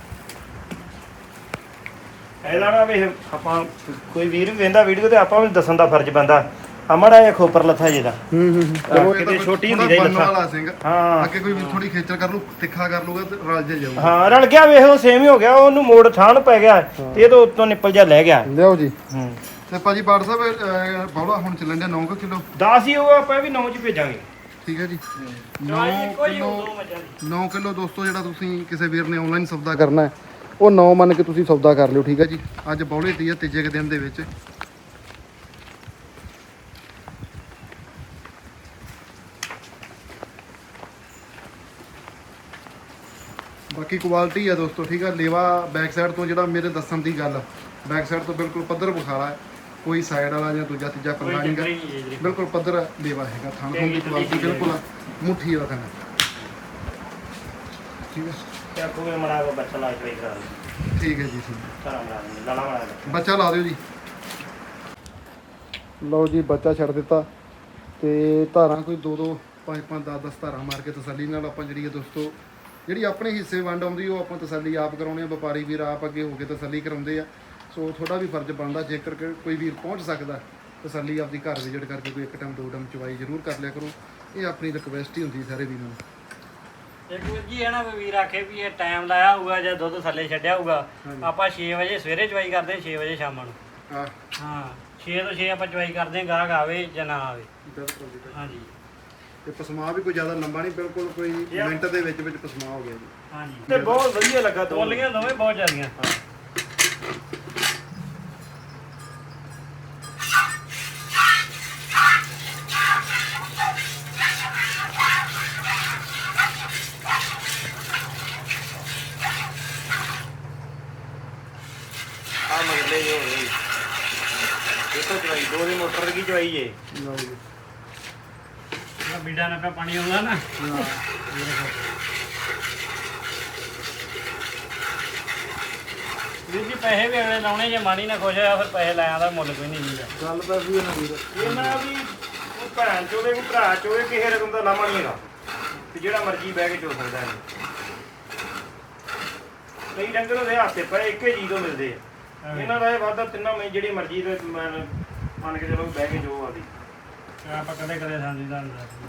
S4: ਇਹਦਾ ਨਾ ਵੇ ਆਪਾਂ ਕੋਈ ਵੀਰ ਵੇਂਦਾ ਵੀਡੀਓ ਤੇ ਆਪਾਂ ਵੀ ਦੱਸਣ ਦਾ ਫਰਜ਼ ਬੰਦਾ। ਅਮੜਾ ਇਹ ਖੋਪਰ ਲੱਥਾ ਜਿਹਦਾ।
S1: ਚਲੋ
S4: ਕਿਤੇ ਛੋਟੀ ਹੁੰਦੀ ਰਹੀ
S1: ਬੰਨ
S4: ਲੱਥਾ।
S1: ਵਾਲਾ ਸਿੰਘ।
S4: ਹਾਂ
S1: ਅੱਗੇ ਕੋਈ ਥੋੜੀ ਖੇਚਲ ਕਰ ਲੂ, ਤਿੱਖਾ ਕਰ ਲੂਗਾ ਤੇ ਰਲ ਜੇ ਜਾਊਗਾ।
S4: ਹਾਂ ਰਲ ਗਿਆ ਵੇਖ ਉਹ ਸੇਮ ਹੀ ਹੋ ਗਿਆ। ਉਹਨੂੰ ਮੋੜ ਥਾਂ ਨੂੰ ਪੈ ਗਿਆ ਤੇ ਇਹ ਤੋਂ ਉੱਤੋਂ ਨਿੱਪਲ ਜਾ ਲੈ ਗਿਆ।
S1: ਲਿਆਓ ਜੀ।
S4: ਹੂੰ
S1: ਤੇ ਭਾਜੀ ਬਾੜ ਸਾਹਿਬ ਬੌਲਾ ਹੁਣ ਚੱਲਣ ਡਿਆ 9 ਕਿਲੋ।
S4: 10 ਹੀ ਉਹ ਆਪਾਂ ਵੀ 9 ਚ ਭੇਜਾਂਗੇ।
S1: ਠੀਕ ਹੈ ਜੀ। 9
S3: ਚਵਾਈ ਕੋਈ
S1: ਕਿਲੋ
S3: ਦੋ ਬੱਚਿਆਂ ਦੀ।
S1: 9 ਕਿਲੋ ਦੋਸਤੋ ਜਿਹੜਾ ਤੁਸੀਂ ਕਿਸੇ ਵੀਰ ਨੇ ਆਨਲਾਈਨ ਸੌਦਾ ਕਰਨਾ ਹੈ ਉਹ 9 ਮੰਨ ਕੇ ਤੁਸੀਂ ਸੌਦਾ ਕਰ ਲਿਓ। ਠੀਕ ਹੈ ਜੀ। ਅੱਜ ਬੌਲੇ ਤੀ ਆ ਤੀਜੇ ਕੁ ਦਿਨ ਦੇ ਵਿੱਚ। ਬਾਕੀ ਕੁਆਲਿਟੀ ਆ ਦੋਸਤੋ, ਠੀਕ ਆ। ਲੇਵਾ ਬੈਕ ਸਾਈਡ ਤੋਂ ਜਿਹੜਾ ਮੇਰੇ ਦੱਸਣ ਦੀ ਗੱਲ, ਬੈਕ ਸਾਈਡ ਤੋਂ ਬਿਲਕੁਲ ਪੱਧਰ ਬੁਖਾਰਾ ਹੈ। ਕੋਈ ਸਾਈਡ ਵਾਲਾ ਜਾਂ ਦੂਜਾ ਤੀਜਾ
S3: ਕੋਈ
S1: ਪੱਲਾ ਨਹੀਂ
S3: ਚੱਕਰ
S1: ਗਾ।
S3: ਹੀ ਨਹੀਂ ਜੀ।
S1: ਬਿਲਕੁਲ ਪੱਧਰ ਲੇਵਾ ਹੈਗਾ। ਥਣ ਥਣ ਦੀ ਕੁਆਲਿਟੀ ਬਿਲਕੁਲ ਮੁੱਠੀ ਵਾਲਾ ਥਣ। ਠੀਕ ਹੈ,
S4: ਤੇ ਕੋਈ ਮੜਾ ਕੋ ਬੱਚਾ ਲਾ ਕੇ ਕਰਾ ਦੇ।
S1: ਠੀਕ ਹੈ ਜੀ। ਠੀਕ
S4: ਸਾਰਾ ਮੜਾ ਦੇ ਲਾਲਾ ਮੜਾ ਦੇ।
S1: ਬੱਚਾ ਲਾ ਦਿਓ ਜੀ। ਲਓ ਜੀ, ਬੱਚਾ ਛੱਡ ਦਿੱਤਾ ਤੇ ਧਾਰਾਂ ਕੋਈ 2-2 5-5 10-10 ਧਾਰਾਂ ਮਾਰ ਕੇ ਤਸੱਲੀ ਨਾਲ ਆਪਾਂ ਜਿਹੜੀ ਹੈ ਦੋਸਤੋ, ਜਿਹੜੀ ਆਪਣੇ ਹਿੱਸੇ ਵੰਡ ਆਉਂਦੀ ਉਹ ਆਪਾਂ ਤਸੱਲੀ ਆਪ ਕਰਾਉਣੇ ਆ। ਵਪਾਰੀ ਵੀਰ ਆਪ ਅੱਗੇ ਹੋ ਕੇ ਤਸੱਲੀ ਕਰਾਉਂਦੇ ਆ। ਸੋ ਤੁਹਾਡਾ ਵੀ ਫਰਜ਼ ਬਣਦਾ, ਜੇਕਰ ਕੋਈ ਵੀਰ ਪਹੁੰਚ ਸਕਦਾ ਤਸੱਲੀ ਆਪਦੀ ਘਰ ਵਿਜ਼ਿਟ ਕਰਕੇ ਕੋਈ 1 ਟਾਈਮ 2 ਟਾਈਮ ਚਵਾਈ ਜ਼ਰੂਰ ਕਰ ਲਿਆ ਕਰੋ। ਇਹ ਆਪਣੀ ਰਿਕਵੈਸਟ ਹੀ ਹੁੰਦੀ ਸਾਰੇ ਵੀਰਾਂ ਨੂੰ।
S3: ਇੱਕ ਵੀਰ ਜੀ ਹੈ ਨਾ, ਵੀਰ ਆਖੇ ਵੀ ਇਹ ਟਾਈਮ ਲਾਇਆ ਹੋਊਗਾ ਜਾਂ ਦੁੱਧ ਥੱਲੇ ਛੱਡਿਆ ਹੋਊਗਾ। ਆਪਾਂ 6 ਵਜੇ ਸਵੇਰੇ ਚਵਾਈ ਕਰਦੇ ਹਾਂ, 6 ਵਜੇ ਸ਼ਾਮਾਂ ਨੂੰ।
S1: ਹਾਂ
S3: ਹਾਂ 6 ਤੋਂ 6 ਆਪਾਂ ਚਵਾਈ ਕਰਦੇ ਹਾਂ, ਗਾਹਕ ਆਵੇ ਜਾਂ ਨਾ ਆਵੇ।
S1: ਬਿਲਕੁਲ ਜੀ।
S3: ਹਾਂਜੀ
S1: ਤੇ ਪਸਮਾ ਵੀ ਕੋਈ ਜ਼ਿਆਦਾ ਲੰਬਾ ਨਹੀਂ, ਬਿਲਕੁਲ ਕੋਈ ਮਿੰਟ ਦੇ ਵਿੱਚ ਪਸਮਾ ਹੋ ਗਿਆ ਜੀ।
S3: ਹਾਂਜੀ
S4: ਤੇ ਬਹੁਤ ਵਧੀਆ ਲੱਗਾ
S3: ਤੋਲੀਆਂ ਦੋਵੇਂ ਬਹੁਤ ਜ਼ਿਆਦੀਆਂ।
S4: ਆ ਮਗਲੇ ਜੋ ਹੋ ਗਈ। ਦੇਖੋ ਚਵਾਈ 2 ਦੀ ਮੋਟਰ ਦੀ ਚਵਾਈ ਜੇ।
S1: ਲਓ ਜੀ।
S3: ਜਿਹੜਾ ਬੀਡਾ ਨਾਲ ਪਿਆ ਪਾਣੀ ਆਉਂਦਾ ਨਾ। ਵੀਰ ਜੀ ਪੈਸੇ ਵੀ ਅਗਲੇ ਲਾਉਣੇ, ਜੇ ਮਾਣੀ ਨਾ ਖੁਸ਼ ਹੋਇਆ ਫਿਰ ਪੈਸੇ ਲਾਇਆ ਦਾ ਮੁੱਲ ਕੋਈ ਨਹੀਂ ਹੁੰਦਾ।
S1: ਗੱਲ ਤਾਂ ਵੀ ਇਹਨਾਂ ਦੀ
S4: ਇਹਨਾਂ ਵੀ ਉਹ ਭੈਣ ਚੋਦੇ ਕੋ ਭਰਾ ਚੋਦੇ ਕਿਸੇ ਰਕਮ ਦਾ ਲਾਮਾ ਨਹੀਂ ਹੈਗਾ। ਤੇ ਜਿਹੜਾ ਮਰਜ਼ੀ ਬਹਿ ਕੇ ਚੋ ਸਕਦਾ ਹੈ। ਕਈ ਡੰਗਰ ਉਹਦੇ ਹੱਥੇ ਪਏ ਇੱਕੇ ਜੀ ਤੋਂ ਮਿਲਦੇ ਆ, ਇਹਨਾਂ ਦਾ ਇਹ ਵਾਧਾ ਤਿੰਨਾਂ ਮੈਂ ਜਿਹੜੀ ਮਰਜ਼ੀ ਤੇ ਮੰਨ ਕੇ ਚਲੋ ਬਹਿ ਕੇ ਜੋ ਆਦੀ
S3: ਆਪਾਂ ਕਦੇ ਕਦੇ ਸਾਂਝੀ ਦਾ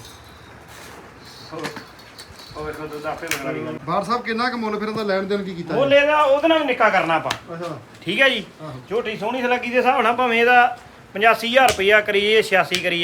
S4: ਉਹ ਵੇਖੋ ਦੁੱਧ ਆਪੇ ਮੰਗਣਾ ਵੀ
S1: ਬਾਰ ਸਾਹਿਬ ਕਿੰਨਾ ਕੁ ਮੁੱਲ ਫਿਰ ਇਹਦਾ ਲੈਣ ਦੇਣ ਕੀ ਕੀਤਾ
S4: ਮੁੱਲ ਇਹਦਾ ਉਹਦੇ ਨਾਲ ਵੀ ਨਿੱਕਾ ਕਰਨਾ ਆਪਾਂ,
S1: ਅੱਛਾ
S4: ਠੀਕ ਹੈ ਜੀ।
S1: ਆਹੋ।
S4: ਝੋਟੀ ਸੋਹਣੀ ਸਲੱਗੀ ਦੇ ਹਿਸਾਬ ਨਾਲ ਭਾਵੇਂ ਇਹਦਾ 85,000 ਰੁਪਇਆ ਕਰੀਏ 86 ਕਰੀਏ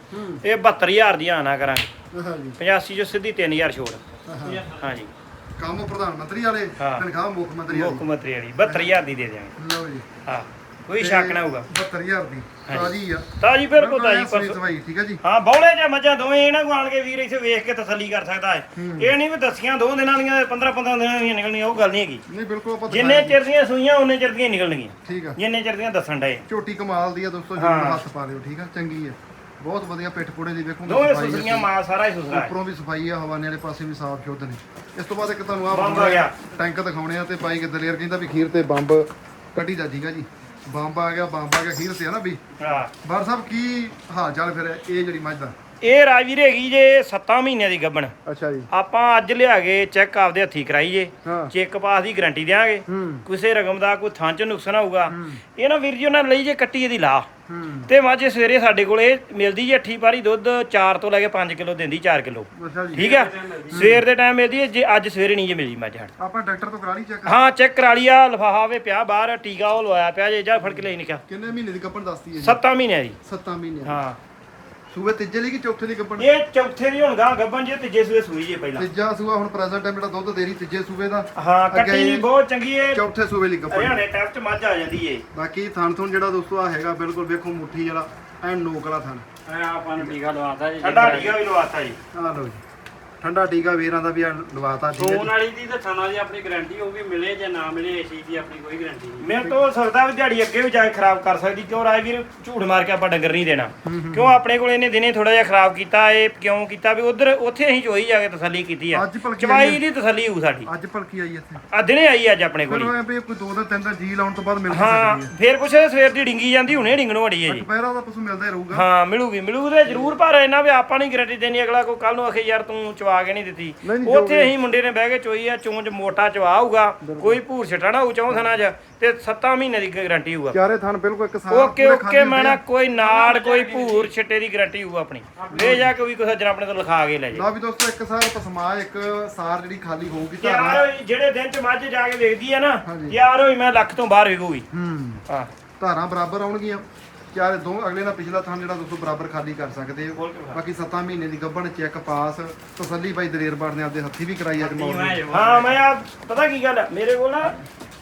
S4: ਇਹ 72,000 ਦੀਆਂ ਆਣਾ ਕਰਾਂਗੇ।
S1: ਅੱਛਾ ਜੀ
S4: 85 ਚੋਂ ਸਿੱਧੀ 3,000 ਛੋੜ।
S1: ਆਹਾ।
S4: ਹਾਂਜੀ
S1: ਕੰਮ ਪ੍ਰਧਾਨ ਮੰਤਰੀ ਵਾਲੇ
S4: ਹਾਂ।
S1: ਤਨਖਾਹ ਮੁੱਖ ਮੰਤਰੀ
S4: ਮੁੱਖ
S1: ਵਾਲੀ
S4: ਮੰਤਰੀ ਵਾਲੀ 72,000 ਦੀ ਦੇ ਦਿਆਂਗੇ।
S1: ਲਓ ਜੀ
S4: ਹਾਂ ਕੋਈ ਸ਼ੱਕ ਨਾ ਹੋਊਗਾ।
S1: 72000 ਦੀ ਤਾਜੀ ਆ
S4: ਤਾਜੀ ਬਿਲਕੁਲ ਤਾਜੀ
S1: ਸਹੀ
S4: ਪਰਸੋਂ।
S1: ਸਵਾਈ ਠੀਕ ਹੈ ਜੀ।
S4: ਹਾਂ ਬੌਲੇ ਜਾਂ ਮੱਝਾਂ ਦੋਵੇਂ ਇਹਨਾਂ ਕੋਲ ਆਣ ਕੇ ਵੀਰ ਇੱਥੇ ਵੇਖ ਕੇ ਤਸੱਲੀ ਕਰ ਸਕਦਾ ਹੈ। ਇਹ ਨਹੀਂ ਵੀ ਦਸੀਆਂ 2 ਦਿਨਾਂ ਦੀਆਂ 15 ਦਿਨਾਂ ਦੀਆਂ ਨਿਕਲਣੀਆਂ, ਉਹ ਗੱਲ ਨਹੀਂ ਹੈਗੀ।
S1: ਨਹੀਂ ਬਿਲਕੁਲ ਆਪਾਂ
S4: ਜਿੰਨੇ ਚਿਰ ਦੀਆਂ ਸੂਈਆਂ ਉਹਨੇ ਚਿਰ ਦੀਆਂ ਨਿਕਲਣਗੀਆਂ,
S1: ਠੀਕ ਆ।
S4: ਜਿੰਨੇ ਚਿਰ ਦੀਆਂ ਦੱਸਣ ਡਏ।
S1: ਝੋਟੀ ਕਮਾਲ ਦੀ ਆ ਦੋਸਤੋ,
S4: ਹਾਂ।
S1: ਜਰੂਰ ਹੱਥ ਪਾ ਲਿਓ ਠੀਕ ਆ, ਚੰਗੀ ਆ ਬਹੁਤ ਵਧੀਆ। ਪਿੱਠ ਪੁੜੇ ਦੀ ਵੇਖੋ
S4: ਦੋਵੇਂ ਸੁਸਰੀਆਂ ਮਾਲ ਸਾਰਾ ਹੀ ਸੁਸਰਾ ਹੈ।
S1: ਉੱਪਰੋਂ ਵੀ ਸਫਾਈ ਆ, ਹਵਾਨੇ ਵਾਲੇ ਪਾਸੇ ਵੀ ਸਾਫ਼ ਸ਼ੁੱਧ ਨੇ। ਇਸ ਤੋਂ ਬਾਅਦ ਇੱਕ ਤੁਹਾਨੂੰ ਆਹ
S4: ਬੰਬ ਆ ਗਿਆ।
S1: ਟੈਂਕ ਦਿਖਾਉਣੇ ਆ ਤੇ ਬਾਈ ਕਿ ਦਲੇਰ ਕਹਿੰਦਾ ਵੀ ਖੀਰ ਤੇ ਬੰਬ ਕੱਢੀ ਦਾ ਠੀਕ ਆ ਜੀ। ਬੰਬ ਆ ਗਿਆ ਖੀਰ ਤੇ ਆ ਨਾ ਵੀ।
S4: ਹਾਂ
S1: ਬਾਰ ਸਾਹਿਬ ਕੀ ਹਾਲ ਚਾਲ ਫਿਰ ਇਹ ਜਿਹੜੀ ਮੱਝ ਦਾ?
S4: ਇਹ ਰਾਜਵੀਰ ਹੈਗੀ ਜੇ 7 ਮਹੀਨਿਆਂ ਦੀ ਗੱਭਣ।
S1: ਅੱਛਾ ਜੀ
S4: ਆਪਾਂ ਅੱਜ ਲਿਆ ਕੇ ਚੈੱਕ ਆਪਦੇ ਹੱਥੀ ਕਰਾਈਏ,
S1: ਹਾਂ
S4: ਚੈੱਕ ਪਾਸ ਦੀ ਗਾਰੰਟੀ ਦੇਾਂਗੇ। ਕਿਸੇ ਰਕਮ ਦਾ ਕੋਈ ਥਾਂ ਚ ਨੁਕਸਾਨ ਹੋਊਗਾ ਇਹ ਨਾ ਵੀਰ ਜੀ ਉਹਨਾਂ ਲਈ ਜੇ ਕੱਟੀ ਇਹਦੀ ਲਾ ਤੇ ਮਾਝੇ ਸਵੇਰੇ ਸਾਡੇ ਕੋਲ ਇਹ ਮਿਲਦੀ ਜੇ 8 ਪਾਰੀ ਦੁੱਧ 4 ਤੋਂ ਲੈ ਕੇ 5 ਕਿਲੋ ਦਿੰਦੀ 4 ਕਿਲੋ
S1: ਅੱਛਾ ਜੀ
S4: ਠੀਕ ਆ। ਸਵੇਰ ਦੇ ਟਾਈਮ ਮਿਲਦੀ ਹੈ, ਜੇ ਅੱਜ ਸਵੇਰੇ ਨਹੀਂ ਜੇ ਮਿਲੀ ਮੱਝ ਹੜ।
S1: ਆਪਾਂ ਡਾਕਟਰ ਤੋਂ ਕਰਾ ਲਈ ਚੈੱਕ?
S4: ਹਾਂ ਚੈੱਕ ਕਰਾ ਲਿਆ, ਲਿਫਾਫਾ ਵੇ ਪਿਆ ਬਾਹਰ, ਟੀਕਾ ਉਹ ਲਵਾਇਆ ਪਿਆ ਜੇ, ਜਾ ਫੜ ਕੇ ਲਈ ਨਿਕਾ।
S1: ਕਿੰਨੇ ਮਹੀਨੇ ਦੀ ਗੱਭਣ ਦੱਸਦੀ ਹੈ?
S4: 7 ਮਹੀਨਿਆਂ ਦੀ।
S1: 7 ਮਹੀਨੇ।
S4: ਹਾਂ
S1: ਸੂਬੇ ਤੀਜੇ ਲਈ ਕਿ ਚੌਥੇ ਲਈ ਗੱਭਣ?
S4: ਇਹ ਚੌਥੇ ਦੀ ਹੁਣ ਗਾਂ ਗੱਭਣ ਜੇ ਤੀਜੇ ਸੂਏ ਸੂਈ ਜੇ ਪਹਿਲਾਂ।
S1: ਤੀਜਾ ਸੂਆ ਹੁਣ ਪ੍ਰੈਜ਼ੈਂਟ ਟਾਈਮ ਜਿਹੜਾ ਦੁੱਧ ਦੇ ਰਹੀ ਤੀਜੇ ਸੂਬੇ ਦਾ।
S4: ਹਾਂ
S1: ਅੱਗੇ
S4: ਕੱਟੀ ਵੀ ਬਹੁਤ ਚੰਗੀ ਏ,
S1: ਚੌਥੇ ਸੂਬੇ ਲਈ ਗੱਭਣ।
S4: ਹਰਿਆਣੇ ਟੈਪ ਚ ਮੱਝ ਆ ਜਾਂਦੀ ਏ।
S1: ਬਾਕੀ ਥਣ ਥਣ ਜਿਹੜਾ ਦੋਸਤੋ ਆ ਹੈਗਾ ਬਿਲਕੁਲ ਵੇਖੋ ਮੁੱਠੀ ਵਾਲਾ ਐਨ ਨੋਕ ਵਾਲਾ ਥਣ।
S3: ਆਪਾਂ ਨੂੰ ਟੀਕਾ ਲਵਾਤਾ ਜੀ।
S4: ਠੰਡਾ ਟੀਕਾ ਵੀ ਲਵਾਤਾ ਜੀ।
S1: ਆ ਲਓ ਜੀ ਠੰਡਾ ਟੀਕਾ ਵੀਰਾਂ ਦਾ ਵੀ ਆ ਲਵਾਤਾ ਠੀਕ ਹੈ
S3: ਫੋਨ
S1: ਜੀ।
S3: ਵਾਲੀ ਦੀ ਤੇ ਥਾਣਾ ਦੀ ਆਪਣੀ ਗਾਰੰਟੀ ਹੋਊਗੀ, ਮਿਲੇ ਜਾਂ ਨਾ ਮਿਲੇ ਇਸ ਚੀਜ਼ ਦੀ ਆਪਣੀ ਕੋਈ ਗਾਰੰਟੀ ਨਹੀਂ।
S4: ਮੇਰੇ ਤੋਂ ਹੋ ਸਕਦਾ ਵੀ ਦਿਹਾੜੀ ਅੱਗੇ ਵੀ ਜਾ ਕੇ ਖਰਾਬ ਕਰ ਸਕਦੀ, ਕਿਉਂ ਰਾਜਵੀਰ ਝੂਠ ਮਾਰ ਕੇ ਆਪਾਂ ਡੰਗਰ ਨਹੀਂ ਦੇਣਾ। ਕਿਉਂ ਆਪਣੇ ਕੋਲ ਇਹਨੇ ਦਿਨੇ ਥੋੜਾ ਜਿਹਾ ਖਰਾਬ ਕੀਤਾ, ਇਹ ਕਿਉਂ ਕੀਤਾ ਵੀ ਉਧਰ ਉੱਥੇ ਅਸੀਂ ਚੋਈ ਜਾ ਕੇ ਤਸੱਲੀ ਕੀਤੀ ਆ।
S1: ਅੱਜ ਭਲਕੇ
S4: ਚਵਾਈ ਦੀ ਤਸੱਲੀ ਹੋਊ ਸਾਡੀ।
S1: ਅੱਜ ਭਲਕੀ ਆਈ ਇੱਥੇ
S4: ਆ ਦਿਨੇ ਆਈ ਅੱਜ ਆਪਣੇ ਕੋਲ
S1: ਫਿਰ
S4: ਹੀ।
S1: ਉਹ ਵੀ ਕੋਈ 2 ਦਿਨ 3 ਦਿਨ ਜੀ ਲਾਉਣ ਤੋਂ ਬਾਅਦ ਮਿਲ ਵੀ
S4: ਹਾਂ
S1: ਸਕਦੀ ਹੈ।
S4: ਫੇਰ ਕੁਛ ਸਵੇਰ ਦੀ ਡਿੰਗੀ ਜਾਂਦੀ, ਹੁਣੇ ਡਿੰਗਣੋਂ ਅੜੀ ਹੈ ਜੀ।
S1: ਦੁਪਹਿਰਾਂ ਦਾ ਪਸ਼ੂ ਮਿਲਦਾ ਹੀ ਰਹੂਗਾ।
S4: ਹਾਂ ਮਿਲੂ ਤੇ ਜ਼ਰੂਰ, ਪਰ ਇਹਨਾਂ ਵੀ ਆਪਾਂ ਨਹੀਂ ਗਾਰੰਟੀ ਦੇਣੀ ਅਗਲਾ ਕੋਈ ਕੱਲ ਨੂੰ ਆਖੇ ਯਾਰ ਤੂੰ ਚਵਾ ਕੇ ਨਹੀਂ ਦਿੱਤੀ।
S1: ਨਹੀਂ,
S4: ਉੱਥੇ ਅਸੀਂ ਮੁੰਡੇ ਨੇ ਬਹਿ ਕੇ ਚੋਈ ਆ, ਚੋਂਚ ਮੋਟਾ ਚਵਾ ਹੋਊਗਾ, ਕੋਈ ਭੂਰ ਛਟਾਣਾ ਹੋਊ ਚੌਂ ਥਣਾ ਚ, ਤੇ 7 ਮਹੀਨੇ ਦੀ ਗਾਰੰਟੀ ਹੋਊਗਾ।
S1: ਚਾਰੇ ਥਣ ਬਿਲਕੁਲ ਇੱਕ ਸਾਰ
S4: ਓਕੇ ਮੈਂ ਨਾ ਕੋਈ ਨਾੜ ਕੋਈ ਭੂਰ ਛਿੱਟੇ ਦੀ ਗਾਰੰਟੀ ਹੋਊ ਆਪਣੀ। ਲੈ ਜਾ ਕੇ ਵੀ ਕੋਈ ਸੱਜਣ ਆਪਣੇ ਤੋਂ ਲਿਖਾ ਕੇ ਲੈ ਜਾ।
S1: ਨਾ ਵੀ ਦੋਸਤੋ ਇੱਕ ਸਾਰ ਪਸਮਾ ਇੱਕ ਸਾਰ ਜਿਹੜੀ ਖਾਲੀ ਹੋਊਗੀ
S4: ਤਿਆਰ
S1: ਧਾਰਾਂ।
S4: ਹੋਈ ਜਿਹੜੇ ਦਿਨ ਚ ਮੱਝ ਜਾ ਕੇ ਵੇਖਦੀ ਆ ਨਾ,
S1: ਹਾਂਜੀ।
S4: ਤਿਆਰ ਹੋਈ ਮੈਂ ਲੱਖ ਤੋਂ ਬਾਹਰ ਵਿਕੂਗੀ। ਹਾਂ
S1: ਧਾਰਾਂ ਬਰਾਬਰ ਆਉਣਗੀਆਂ ਚਾਰੇ ਦੋ ਅਗਲੇ ਦਾ ਪਿਛਲਾ ਥਣ ਜਿਹੜਾ ਦੋਸਤੋ ਬਰਾਬਰ ਖਾਲੀ ਕਰ ਸਕਦੇ ਹੋ। ਬਾਕੀ 7 ਮਹੀਨੇ ਦੀ ਗੱਭਣ ਚੈੱਕ ਪਾਸ ਤਸੱਲੀ ਬਾਈ ਦਲੇਰ ਬਾੜ ਨੇ ਆਪਦੇ ਹੱਥੀ ਵੀ ਕਰਾਈ ਅੱਜ ਮੌਕੇ।
S4: ਹਾਂ ਮੈਂ ਆ ਪਤਾ ਕੀ ਗੱਲ ਆ ਮੇਰੇ ਕੋਲ ਨਾ,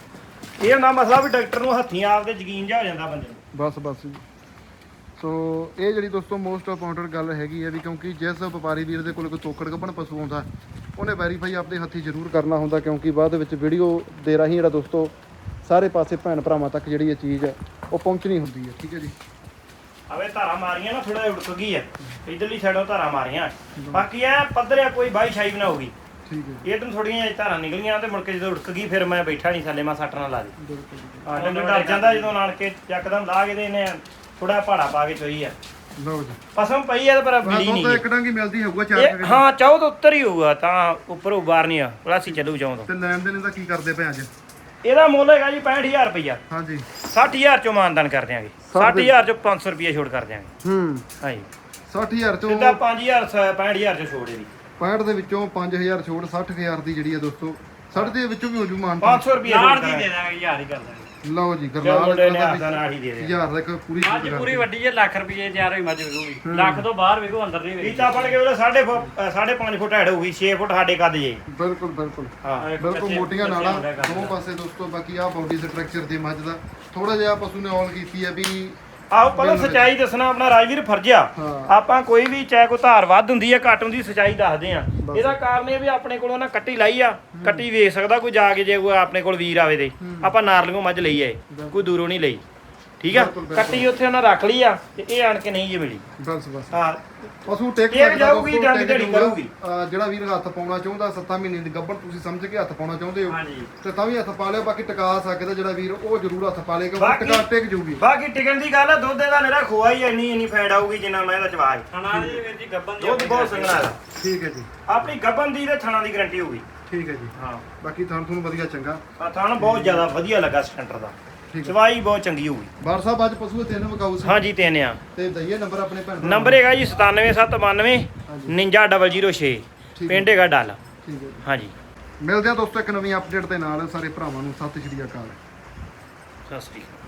S4: ਇਹ ਨਾ ਮਸਲਾ ਵੀ ਡਾਕਟਰ ਨੂੰ ਹੱਥੀਂ ਆਪਦੇ ਯਕੀਨ ਜਾ ਹੋ ਜਾਂਦਾ ਬੰਦੇ ਨੂੰ।
S1: ਬਸ ਜੀ। ਸੋ ਇਹ ਜਿਹੜੀ ਦੋਸਤੋ ਮੋਸਟ ਇੰਪੋਰਟੈਂਟ ਗੱਲ ਹੈਗੀ ਹੈ ਵੀ ਕਿਉਂਕਿ ਜਿਸ ਵਪਾਰੀ ਵੀਰ ਦੇ ਕੋਲ ਕੋਈ ਤੋਕੜ ਗੱਭਣ ਪਸ਼ੂ ਆਉਂਦਾ ਉਹਨੇ ਵੈਰੀਫਾਈ ਆਪਦੇ ਹੱਥੀ ਜ਼ਰੂਰ ਕਰਨਾ ਹੁੰਦਾ, ਕਿਉਂਕਿ ਬਾਅਦ ਵਿੱਚ ਵੀਡੀਓ ਦੇ ਰਾਹੀਂ ਜਿਹੜਾ ਦੋਸਤੋ ਸਾਰੇ ਪਾਸੇ ਭੈਣ ਭਰਾਵਾਂ ਤੱਕ ਜਿਹੜੀ ਇਹ ਚੀਜ਼ ਹੈ ਉਹ ਪਹੁੰਚਣੀ ਹੁੰਦੀ ਹੈ। ਠੀਕ ਹੈ ਜੀ।
S4: ਆਵੇ ਧਾਰਾ ਮਾਰੀਆਂ ਨਾ ਥੋੜਾ ਜਿਹਾ ਉੜਕ ਗਈ ਹੈ, ਇਧਰਲੀ ਸਾਈਡੋਂ ਧਾਰਾ ਮਾਰੀਆਂ, ਬਾਕੀ ਐ ਪੱਧਰਿਆ ਕੋਈ ਬਾਈ ਸ਼ਾਈ ਵੀ ਨਾ ਹੋਊਗੀ।
S1: ਠੀਕ ਹੈ
S4: ਇਹ ਤੋਂ ਥੋੜੀਆਂ ਜਿਹਾ ਧਾਰਾਂ ਨਿਕਲੀਆਂ ਤੇ ਮੁੜ ਕੇ ਜਦੋਂ ਉੜਕ ਗਈ ਫਿਰ ਮੈਂ ਬੈਠਾ ਨਹੀਂ ਥੱਲੇ, ਮੈਂ ਸੱਟ ਨਾ ਲਾ ਦੇ।
S1: ਬਿਲਕੁਲ।
S4: ਹਾਂ ਡੰਗਰ ਡਰ ਜਾਂਦਾ ਜਦੋਂ ਨਾਲ ਕੇ ਚੱਕਦਮ ਲਾ ਕੇ ਤੇ ਇਹਨੇ ਥੋੜਾ ਪਹਾੜਾ ਪਾ ਕੇ ਚੋਈ ਆ।
S1: ਲਓ ਜੀ
S4: ਪਸਮ ਪਈ ਆ ਤੇ ਪਰ ਮਿਲੀ
S1: ਦੁੱਧ
S4: ਨਹੀਂ।
S1: ਇੱਕ ਡੰਗੀ ਮਿਲਦੀ ਹੋਊਗਾ
S4: ਇਹ
S1: 4
S4: ਹਾਂ ਚਾਹੋ ਤਾਂ ਉੱਤਰ ਹੀ ਹੋਊਗਾ, ਤਾਂ ਉੱਪਰੋਂ ਬਾਹਰ ਨਹੀਂ ਆ ਪਲਾਸੀ ਚੱਲੂ ਚਾਹੋ ਤਾਂ।
S1: ਤੇ ਲੈਣ ਦੇਣ ਦਾ ਕੀ ਕਰਦੇ ਪਏ ਅੱਜ?
S4: ਇਹਦਾ ਮੁੱਲ ਹੈਗਾ ਜੀ 65000 ਰੁਪਇਆ।
S1: ਹਾਂਜੀ
S4: 60000 ਚੋਂ ਮਾਨਦਾਨ ਕਰ ਦਿਆਂਗੇ, 60000 ਚੋਂ 500 ਰੁਪਇਆ ਛੋੜ ਕਰ ਦਿਆਂਗੇ। ਹਾਂਜੀ
S1: 60000 ਚੋਂ
S4: ਸਿੱਧਾ 5000 65000 ਚੋਂ ਛੋੜ ਇਹਦੀ।
S1: 65 ਦੇ ਵਿੱਚੋਂ 5000 ਛੋੜ 60000 ਦੀ ਜਿਹੜੀ ਹੈ ਦੋਸਤੋ 60 ਦੇ ਵਿੱਚੋਂ ਵੀ ਹੋ ਜੂ ਮਾਨ।
S4: 500 ਰੁਪਇਆ
S3: ਯਾਰ
S4: ਛੋੜ
S3: ਦੀ
S4: ਕਰਾਂਗੇ।
S3: ਦੇ ਦਾਂਗੇ, ਯਾਰ ਹੀ ਕਰ ਦਾਂਗੇ।
S1: ਲਓ ਜੀ
S4: ਜੋ
S1: ਗਰਨਾਲ
S4: ਮੁੰਡੇ ਨੇ ਹੱਥਾਂ ਨਾਲ ਹੀ ਦੇ ਦੇ।
S1: 1000 ਦਾ ਇੱਕ ਪੂਰੀ
S3: ਅੱਜ ਪੂਰੀ ਵੱਡੀ ਜੇ ਲੱਖ ਰੁਪਏ ਤਿਆਰ ਹੋਈ ਮੱਝ ਵਿਕੂਗੀ। ਲੱਖ ਤੋਂ ਬਾਹਰ ਵਿਕੂ, ਅੰਦਰ ਨਹੀਂ ਵਿਕੂ।
S4: ਪੀਤਾ ਫੜ ਕੇ ਉਹਦਾ 5.5 ਫੁੱਟ ਹੈਡ ਹੋਊਗੀ, 6 ਫੁੱਟ ਸਾਡੇ ਕੱਦ ਜੇ।
S1: ਬਿਲਕੁਲ
S4: ਹਾਂ
S1: ਬਿਲਕੁਲ ਮੋਟੀਆਂ ਨਾੜਾਂ ਦੋਵੇਂ ਪਾਸੇ ਦੋਸਤੋ। ਬਾਕੀ ਆ ਬਾਡੀ ਸਟਰਕਚਰ ਦੀ ਮੱਝ ਦਾ ਥੋੜਾ ਜਿਹਾ ਪਸ਼ੂ ਨੇ ਔਲ ਕੀਤੀ ਹੈ ਵੀ
S4: ਆਓ ਪਹਿਲਾਂ ਸਚਾਈ ਦੱਸਣਾ ਆਪਣਾ ਰਾਜਵੀਰ ਫਰਜ਼ ਆ।
S1: ਹਾਂ।
S4: ਆਪਾਂ ਕੋਈ ਵੀ ਚਾਹੇ ਕੋਈ ਧਾਰ ਵੱਧ ਹੁੰਦੀ ਹੈ ਘੱਟ ਹੁੰਦੀ, ਸਚਾਈ ਦੱਸਦੇ ਆ। ਇਹਦਾ ਕਾਰਨ ਇਹ ਵੀ ਆਪਣੇ ਕੋਲੋਂ ਨਾ ਕੱਟੀ ਲਾਈ ਆ, ਕੱਟੀ ਵੇਖ ਸਕਦਾ ਕੋਈ ਜਾ ਕੇ, ਜੇ ਕੋਈ ਆਪਣੇ ਕੋਲ ਵੀਰ ਆਵੇ ਤੇ ਆਪਾਂ ਨਾਰਲੀਓਂ ਮੱਝ ਲਈ ਆਏ, ਕੋਈ ਦੂਰੋਂ ਨਹੀਂ ਲਈ। ਠੀਕ ਆ
S1: ਬਿਲਕੁਲ, ਬਿਲਕੁਲ।
S4: ਕੱਟੀ ਉੱਥੇ ਉਹਨਾਂ ਰੱਖ ਲਈ ਆ ਤੇ ਇਹ ਆਣ ਕੇ ਨਹੀਂ ਜੇ ਮਿਲੀ
S1: ਬਸ ਬਸ
S4: ਹਾਂ
S1: ਪਸ਼ੂ ਟਿਕ
S4: ਇਹ
S1: ਸਕਦਾ
S4: ਜਾਊਗੀ,
S1: ਦੋਸਤੋ,
S4: ਡੰਗ
S1: ਟਿਕ
S4: ਢੇੜੀ
S1: ਜਾਊਗਾ।
S4: ਕਰੂਗੀ।
S1: ਜਿਹੜਾ ਵੀਰ ਹੱਥ ਪਾਉਣਾ ਚਾਹੁੰਦਾ 7 ਮਹੀਨੇ ਦੀ ਗੱਭਣ ਤੁਸੀਂ ਸਮਝ ਕੇ ਹੱਥ ਪਾਉਣਾ ਚਾਹੁੰਦੇ ਹੋ
S3: ਹਾਂਜੀ
S1: ਤੇ ਤਾਂ ਵੀ ਹੱਥ ਪਾ ਲਿਓ। ਬਾਕੀ ਟਿਕਾ ਸਕਦਾ ਜਿਹੜਾ ਵੀਰ ਉਹ ਜ਼ਰੂਰ ਹੱਥ ਪਾ ਲੇਗਾ,
S4: ਬਾਕੀ-
S1: ਟਿਕਾ ਟਿਕ ਜੂਗੀ।
S4: ਬਾਕੀ ਟਿਕਣ ਦੀ ਗੱਲ ਆ ਦੁੱਧ ਦਾ ਮੇਰਾ ਖੋਆ ਹੀ ਇੰਨੀ ਫੈਟ ਆਊਗੀ ਜਿੰਨਾ ਮੈਂ ਇਹਦਾ ਚਵਾਜ
S3: ਥਣਾ ਦੀ ਵੀਰ ਜੀ ਗੱਬਨ ਦੀ
S4: ਦੁੱਧ ਬਹੁਤ ਸੰਘਣਾ ਦਾ
S1: ਠੀਕ ਹੈ ਜੀ,
S4: ਆਪਣੀ ਗੱਬਨ ਦੀ ਤੇ ਥਣਾ ਦੀ ਗਾਰੰਟੀ ਹੋਊਗੀ
S1: ਠੀਕ ਹੈ ਜੀ।
S4: ਹਾਂ
S1: ਬਾਕੀ ਤੁਹਾਨੂੰ ਵਧੀਆ ਚੰਗਾ
S4: ਆ ਥਣ ਬਹੁਤ ਜ਼ਿਆਦਾ ਵਧੀਆ ਲੱਗਾ ਸੈਂਟਰ ਦਾ
S1: ਠੀਕ ਹੈ।
S4: ਚਵਾਈ ਬਹੁਤ ਚੰਗੀ ਹੋਊਗੀ
S1: ਬਾਰ ਸਾਹਿਬ ਅੱਜ ਪਸ਼ੂ ਤਿੰਨ ਵਿਕਾਊ ਸੀ
S4: ਹਾਂਜੀ ਤਿੰਨ ਆ
S1: ਤੇ ਦਈਏ ਨੰਬਰ ਆਪਣੇ ਭੈਣ ਭਰਾਵਾਂ
S4: ਨੰਬਰ ਹੈਗਾ ਜੀ 97792
S1: ਹਾਂਜੀ।
S4: 99006
S1: ਠੀਕ
S4: ਪਿੰਡ ਹੈਗਾ ਡੱਲ
S1: ਹੈ ਜੀ।
S4: ਹਾਂਜੀ
S1: ਮਿਲਦੇ ਆ ਦੋਸਤੋ ਇੱਕ ਨਵੀਂ ਅਪਡੇਟ ਦੇ ਨਾਲ। ਸਾਰੇ ਭਰਾਵਾਂ ਨੂੰ ਸਤਿ ਸ਼੍ਰੀ ਅਕਾਲ।
S4: ਸਤਿ ਸ੍ਰੀ ਅਕਾਲ